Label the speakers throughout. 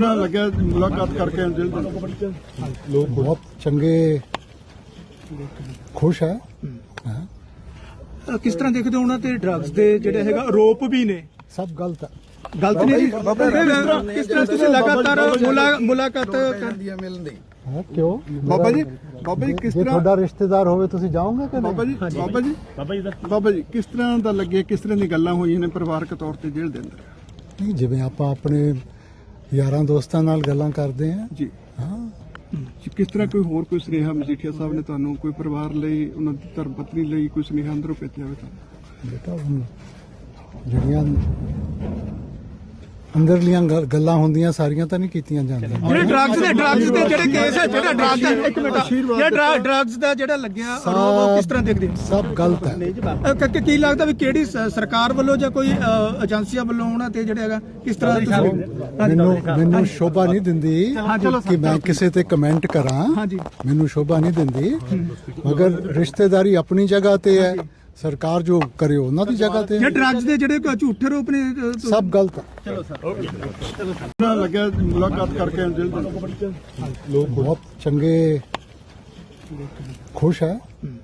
Speaker 1: ਲੱਗਿਆ ਮੁਲਾਕਾਤ ਕਰਕੇ ਦਿਲ ਦੇ
Speaker 2: ਲੋਕ ਬਹੁਤ ਚੰਗੇ ਖੁਸ਼ ਹੈ।
Speaker 3: ਕਿਸ ਤਰ੍ਹਾਂ ਦੇਖਦੇ ਹੋ ਉਹਨਾਂ ਤੇ ਡਰੱਗਸ ਦੇ ਜਿਹੜੇ ਹੈਗਾ ਆਰੋਪ ਵੀ ਨੇ?
Speaker 2: ਸਭ ਗਲਤ ਹੈ।
Speaker 3: ਗਲਤ ਨਹੀਂ ਜੀ। ਕਿਸ ਤਰ੍ਹਾਂ ਤੁਸੀਂ ਲਗਾਤਾਰ ਮੁਲਾਕਾਤ
Speaker 4: ਕਰਦੀਆਂ ਮਿਲਣ ਦੀ
Speaker 2: ਕਿਉਂ
Speaker 1: ਬਾਬਾ ਜੀ ਕਿਸ
Speaker 2: ਜੇ
Speaker 1: ਤਰ੍ਹਾਂ
Speaker 2: ਤੁਹਾਡਾ ਰਿਸ਼ਤੇਦਾਰ ਹੋਵੇ ਤੁਸੀਂ ਜਾਓਗੇ ਕਿ
Speaker 1: ਬਾਬਾ
Speaker 2: ਨਹੀਂ?
Speaker 1: ਜੀ ਬਾਬਾ ਜੀ ਕਿਸ ਤਰ੍ਹਾਂ ਦਾ ਲੱਗਿਆ, ਕਿਸ ਤਰ੍ਹਾਂ ਦੀ ਗੱਲਾਂ ਹੋਈਆਂ ਨੇ ਪਰਿਵਾਰਕ ਤੌਰ ਤੇ ਜੇਲ੍ਹ ਦੇ ਅੰਦਰ?
Speaker 2: ਨਹੀਂ, ਜਿਵੇਂ ਆਪਾਂ ਆਪਣੇ ਯਾਰਾਂ ਦੋਸਤਾਂ ਨਾਲ ਗੱਲਾਂ ਕਰਦੇ ਹਾਂ।
Speaker 1: ਜੀ
Speaker 2: ਹਾਂ,
Speaker 1: ਕਿਸ ਤਰ੍ਹਾਂ ਕੋਈ ਹੋਰ ਸੁਨੇਹਾ ਮਜੀਠੀਆ ਸਾਹਿਬ ਨੇ ਤੁਹਾਨੂੰ ਕੋਈ ਪਰਿਵਾਰ ਲਈ, ਉਹਨਾਂ ਦੀ ਧਰਮ ਪਤਨੀ ਲਈ ਕੋਈ ਸੁਨੇਹਾ ਅੰਦਰੋਂ ਭੇਜਿਆ ਹੋਵੇ ਤੁਹਾਨੂੰ?
Speaker 2: ਬੇਟਾ ਹੁਣ ਜਿਹੜੀਆਂ ਅੰਦਰਲੀਆਂ ਗੱਲਾਂ ਹੁੰਦੀਆਂ ਸਾਰੀਆਂ ਤਾਂ ਨਹੀਂ ਕੀਤੀਆਂ ਜਾਂਦੀਆਂ।
Speaker 3: ਜਿਹੜੇ ਡਰੱਗਸ ਦੇ ਜਿਹੜੇ ਕੇਸ ਹੈ, ਜਿਹੜਾ ਡਰੱਗ ਦਾ ਇੱਕ ਮਿੰਟ, ਜਿਹੜਾ ਡਰੱਗਸ ਦਾ ਜਿਹੜਾ ਲੱਗਿਆ ਆਰੋਪ, ਉਹ ਕਿਸ ਤਰ੍ਹਾਂ ਦੇਖਦੇ ਹੋ?
Speaker 2: ਸਭ ਗਲਤ ਹੈ।
Speaker 3: ਕੀ ਲੱਗਦਾ ਵੀ ਕਿਹੜੀ ਸਰਕਾਰ ਵੱਲੋਂ ਜਾਂ ਕੋਈ ਏਜੰਸੀਆਂ ਵੱਲੋਂ ਉਹਨਾਂ ਤੇ ਜਿਹੜਾ ਹੈਗਾ ਕਿਸ ਤਰ੍ਹਾਂ
Speaker 2: ਮੈਨੂੰ ਸ਼ੋਭਾ ਨਹੀਂ ਦਿੰਦੀ ਕਿ ਮੈਂ ਕਿਸੇ ਤੇ ਕਮੈਂਟ ਕਰਾਂ।
Speaker 3: ਹਾਂਜੀ,
Speaker 2: ਮੈਨੂੰ ਸ਼ੋਭਾ ਨਹੀਂ ਦਿੰਦੀ, ਮਗਰ ਰਿਸ਼ਤੇਦਾਰੀ ਆਪਣੀ ਜਗ੍ਹਾ ਤੇ ਹੈ, ਸਰਕਾਰ ਜੋ ਕਰੇ ਉਹਨਾਂ ਦੀ ਜਗ੍ਹਾ ਤੇ।
Speaker 3: ਡਰੱਗਸ ਦੇ ਜਿਹੜੇ ਝੂਠੇ ਆਰੋਪ ਨੇ
Speaker 2: ਸਭ ਗਲਤ ਹੈ।
Speaker 1: ਲੱਗਿਆ ਮੁਲਾਕਾਤ ਕਰਕੇ ਦਿਲ ਦੇ
Speaker 2: ਲੋਕ ਬਹੁਤ ਚੰਗੇ ਖੁਸ਼ ਹੈ।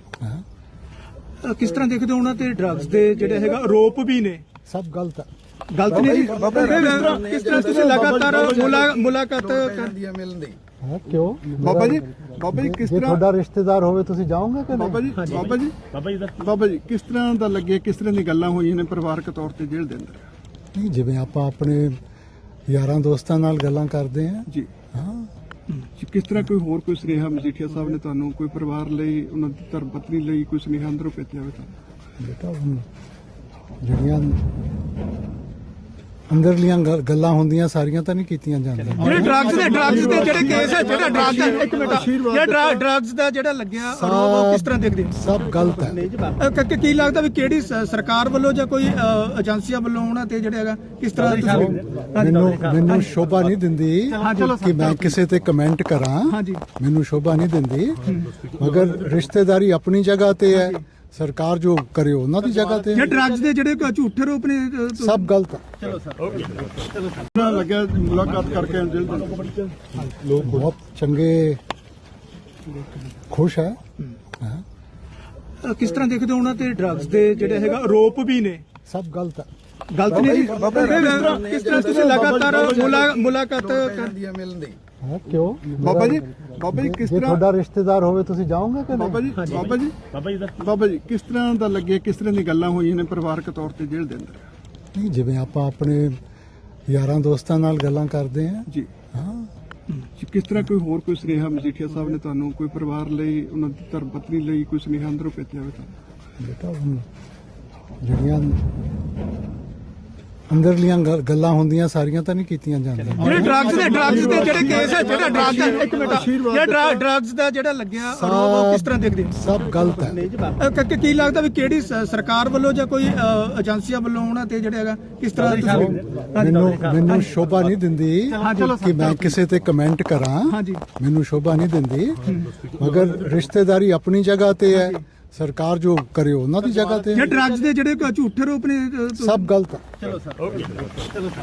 Speaker 3: ਕਿਸ ਤਰ੍ਹਾਂ ਦੇਖਦੇ ਹੋ ਉਹਨਾਂ ਤੇ ਡਰੱਗਸ ਦੇ ਜਿਹੜੇ ਹੈਗਾ ਆਰੋਪ ਵੀ ਨੇ?
Speaker 2: ਸਭ ਗਲਤ ਹੈ।
Speaker 3: ਗਲਤ ਨਹੀਂ ਜੀ। ਕਿਸ ਤਰ੍ਹਾਂ ਤੁਸੀਂ ਲਗਾਤਾਰ ਮੁਲਾਕਾਤ
Speaker 4: ਕਰਦੀਆਂ ਮਿਲਣ ਦੀ
Speaker 2: ਕਿਉਂ
Speaker 1: ਬਾਬਾ ਜੀ ਕਿਸ
Speaker 2: ਜੇ
Speaker 1: ਤਰ੍ਹਾਂ
Speaker 2: ਤੁਹਾਡਾ ਰਿਸ਼ਤੇਦਾਰ ਹੋਵੇ ਤੁਸੀਂ ਜਾਓਗੇ ਕਿ ਨਹੀਂ?
Speaker 1: ਬਾਬਾ ਜੀ ਕਿਸ ਤਰ੍ਹਾਂ ਦਾ ਲੱਗਿਆ, ਕਿਸ ਤਰ੍ਹਾਂ ਦੀ ਗੱਲਾਂ ਹੋਈਆਂ ਨੇ ਪਰਿਵਾਰਕ ਤੌਰ ਤੇ ਜੇਲ੍ਹ ਦੇ ਅੰਦਰ?
Speaker 2: ਨਹੀਂ, ਜਿਵੇਂ ਆਪਾਂ ਆਪਣੇ ਯਾਰਾਂ ਦੋਸਤਾਂ ਨਾਲ ਗੱਲਾਂ ਕਰਦੇ ਹਾਂ।
Speaker 1: ਜੀ
Speaker 2: ਹਾਂ,
Speaker 1: ਕਿਸ ਤਰ੍ਹਾਂ ਕੋਈ ਸੁਨੇਹਾ ਮਜੀਠੀਆ ਸਾਹਿਬ ਨੇ ਤੁਹਾਨੂੰ ਕੋਈ ਪਰਿਵਾਰ ਲਈ, ਉਹਨਾਂ ਦੀ ਧਰਮ ਪਤਨੀ ਲਈ ਕੋਈ ਸੁਨੇਹਾ ਅੰਦਰੋਂ ਭੇਜਿਆ ਹੋਵੇ ਤੁਹਾਨੂੰ?
Speaker 2: ਬੇਟਾ ਹੁਣ ਜਿਹੜੀਆਂ ਅੰਦਰਲੀਆਂ ਗੱਲਾਂ ਹੁੰਦੀਆਂ ਸਾਰੀਆਂ ਤਾਂ ਨਹੀਂ ਕੀਤੀਆਂ ਜਾਂਦੀਆਂ।
Speaker 3: ਜਿਹੜੇ ਡਰੱਗਸ ਦੇ ਜਿਹੜੇ ਕੇਸ ਹੈ, ਜਿਹੜਾ ਡਰੱਗ ਦਾ ਇੱਕ ਮਿੰਟ, ਜਿਹੜਾ ਡਰੱਗਸ ਦਾ ਜਿਹੜਾ ਲੱਗਿਆ ਆਰੋਪ, ਉਹ ਕਿਸ ਤਰ੍ਹਾਂ ਦੇਖਦੇ ਹੋ?
Speaker 2: ਸਭ ਗਲਤ ਹੈ।
Speaker 3: ਕੀ ਲੱਗਦਾ ਵੀ ਕਿਹੜੀ ਸਰਕਾਰ ਵੱਲੋਂ ਜਾਂ ਕੋਈ ਏਜੰਸੀਆਂ ਵੱਲੋਂ ਉਹਨਾਂ ਤੇ ਜਿਹੜਾ ਹੈਗਾ ਕਿਸ ਤਰ੍ਹਾਂ
Speaker 2: ਮੈਨੂੰ ਸ਼ੋਭਾ ਨਹੀਂ ਦਿੰਦੀ ਕਿ ਮੈਂ ਕਿਸੇ ਤੇ ਕਮੈਂਟ ਕਰਾਂ।
Speaker 3: ਹਾਂਜੀ,
Speaker 2: ਮੈਨੂੰ ਸ਼ੋਭਾ ਨਹੀਂ ਦਿੰਦੀ, ਮਗਰ ਰਿਸ਼ਤੇਦਾਰੀ ਆਪਣੀ ਜਗ੍ਹਾ ਤੇ ਹੈ, ਸਰਕਾਰ ਜੋ ਕਰੇ ਉਹਨਾਂ ਦੀ ਜਗ੍ਹਾ ਤੇ।
Speaker 3: ਡਰੱਗਸ ਦੇ ਜਿਹੜੇ ਝੂਠੇ ਆਰੋਪ ਨੇ
Speaker 2: ਸਭ ਗਲਤ ਹੈ।
Speaker 1: ਲੱਗਿਆ ਮੁਲਾਕਾਤ ਕਰਕੇ ਦਿਲ ਦੇ
Speaker 2: ਲੋਕ ਬਹੁਤ ਚੰਗੇ ਖੁਸ਼ ਹੈ।
Speaker 3: ਕਿਸ ਤਰ੍ਹਾਂ ਦੇਖਦੇ ਹੋ ਉਹਨਾਂ ਤੇ ਡਰੱਗਸ ਦੇ ਜਿਹੜੇ ਹੈਗਾ ਆਰੋਪ ਵੀ ਨੇ?
Speaker 2: ਸਭ ਗਲਤ ਹੈ।
Speaker 3: ਗਲਤ ਨਹੀਂ ਜੀ। ਕਿਸ ਤਰ੍ਹਾਂ ਤੁਸੀਂ ਲਗਾਤਾਰ ਮੁਲਾਕਾਤ
Speaker 4: ਕਰਦੀਆਂ ਮਿਲਣ ਦੀ
Speaker 2: ਕਿਉਂ
Speaker 1: ਬਾਬਾ ਜੀ ਕਿਸ
Speaker 2: ਜੇ
Speaker 1: ਤਰ੍ਹਾਂ
Speaker 2: ਤੁਹਾਡਾ ਰਿਸ਼ਤੇਦਾਰ ਹੋਵੇ ਤੁਸੀਂ ਜਾਓਗੇ ਕਿ ਨਹੀਂ?
Speaker 1: ਬਾਬਾ ਜੀ ਕਿਸ ਤਰ੍ਹਾਂ ਦਾ ਲੱਗਿਆ, ਕਿਸ ਤਰ੍ਹਾਂ ਦੀ ਗੱਲਾਂ ਹੋਈਆਂ ਨੇ ਪਰਿਵਾਰਕ ਤੌਰ ਤੇ ਜੇਲ੍ਹ ਦੇ ਅੰਦਰ?
Speaker 2: ਨਹੀਂ, ਜਿਵੇਂ ਆਪਾਂ ਆਪਣੇ ਯਾਰਾਂ ਦੋਸਤਾਂ ਨਾਲ ਗੱਲਾਂ ਕਰਦੇ ਹਾਂ।
Speaker 1: ਜੀ
Speaker 2: ਹਾਂ,
Speaker 1: ਕਿਸ ਤਰ੍ਹਾਂ ਕੋਈ ਸੁਨੇਹਾ ਮਜੀਠੀਆ ਸਾਹਿਬ ਨੇ ਤੁਹਾਨੂੰ ਕੋਈ ਪਰਿਵਾਰ ਲਈ, ਉਹਨਾਂ ਦੀ ਧਰਮ ਪਤਨੀ ਲਈ ਕੋਈ ਸੁਨੇਹਾ ਅੰਦਰੋਂ ਭੇਜਿਆ ਹੋਵੇ ਤੁਹਾਨੂੰ?
Speaker 2: ਬੇਟਾ ਹੁਣ ਜਿਹੜੀਆਂ ਅੰਦਰਲੀਆਂ ਗੱਲਾਂ ਹੁੰਦੀਆਂ ਸਾਰੀਆਂ ਤਾਂ ਨਹੀਂ ਕੀਤੀਆਂ ਜਾਂਦੀਆਂ।
Speaker 3: ਜਿਹੜੇ ਡਰੱਗਸ ਦੇ ਜਿਹੜੇ ਕੇਸ ਹੈ, ਜਿਹੜਾ ਡਰੱਗ ਦਾ ਇੱਕ ਮਿੰਟ, ਜਿਹੜਾ ਡਰੱਗਸ ਦਾ ਜਿਹੜਾ ਲੱਗਿਆ ਆਰੋਪ, ਉਹ ਕਿਸ ਤਰ੍ਹਾਂ ਦੇਖਦੇ ਹੋ?
Speaker 2: ਸਭ ਗਲਤ ਹੈ।
Speaker 3: ਕੀ ਲੱਗਦਾ ਵੀ ਕਿਹੜੀ ਸਰਕਾਰ ਵੱਲੋਂ ਜਾਂ ਕੋਈ ਏਜੰਸੀਆਂ ਵੱਲੋਂ ਉਹਨਾਂ ਤੇ ਜਿਹੜਾ ਹੈਗਾ ਕਿਸ ਤਰ੍ਹਾਂ
Speaker 2: ਮੈਨੂੰ ਸ਼ੋਭਾ ਨਹੀਂ ਦਿੰਦੀ ਕਿ ਮੈਂ ਕਿਸੇ ਤੇ ਕਮੈਂਟ ਕਰਾਂ।
Speaker 3: ਹਾਂਜੀ,
Speaker 2: ਮੈਨੂੰ ਸ਼ੋਭਾ ਨਹੀਂ ਦਿੰਦੀ, ਮਗਰ ਰਿਸ਼ਤੇਦਾਰੀ ਆਪਣੀ ਜਗ੍ਹਾ ਤੇ ਹੈ, ਸਰਕਾਰ ਜੋ ਕਰੇ ਉਹਨਾਂ ਦੀ ਜਗ੍ਹਾ ਤੇ।
Speaker 3: ਡਰੱਗਸ ਦੇ ਜਿਹੜੇ ਝੂਠੇ ਆਰੋਪ ਨੇ
Speaker 2: ਸਭ ਗਲਤ ਹੈ।